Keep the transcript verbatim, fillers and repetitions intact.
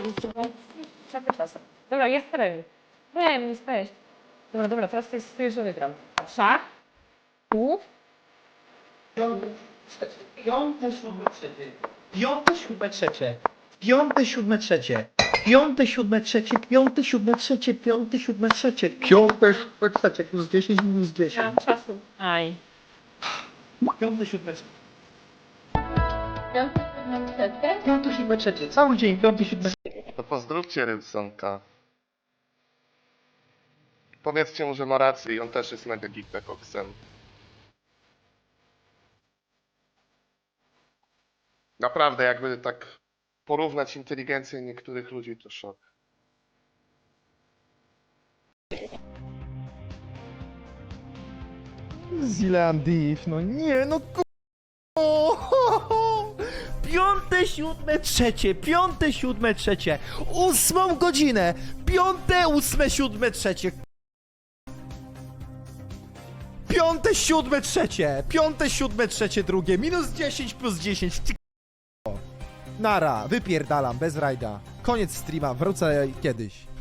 Dobra, jest teren. Nie, nie spać. Dobra, dobra, teraz to jest pierwszy wygram. Szach. Tu. Piąte, siódme, trzecie. Piąte, siódme, trzecie. Piąte, siódme, trzecie. Piąte, siódme, trzecie. Piąte, siódme, trzecie. Piąte, siódme, trzecie. Piąte, siódme, trzecie. Plus dziesięć, minus Nie dziesięć. mam czasu. Aj. Piąte, siódme, trzecie. Piąty, siódmy, trzecie. Piąte, siódme, trzecie. Cały dzień. Piąte, siódme, trzecie. To pozdrówcie Rybsonka. Powiedzcie mu, że ma rację i on też jest mega geekpekoksem. Naprawdę, jakby tak porównać inteligencję niektórych ludzi, to szok. Zilandif, no nie, no ku... Piąte, siódme, trzecie, piąte, siódme, trzecie, ósmą godzinę, piąte, ósme, siódme, trzecie. Piąte, siódme, trzecie, piąte, siódme, trzecie, drugie, minus dziesięć plus dziesięć. Ty k***o. Nara, wypierdalam, bez rajda. Koniec streama, wrócę kiedyś.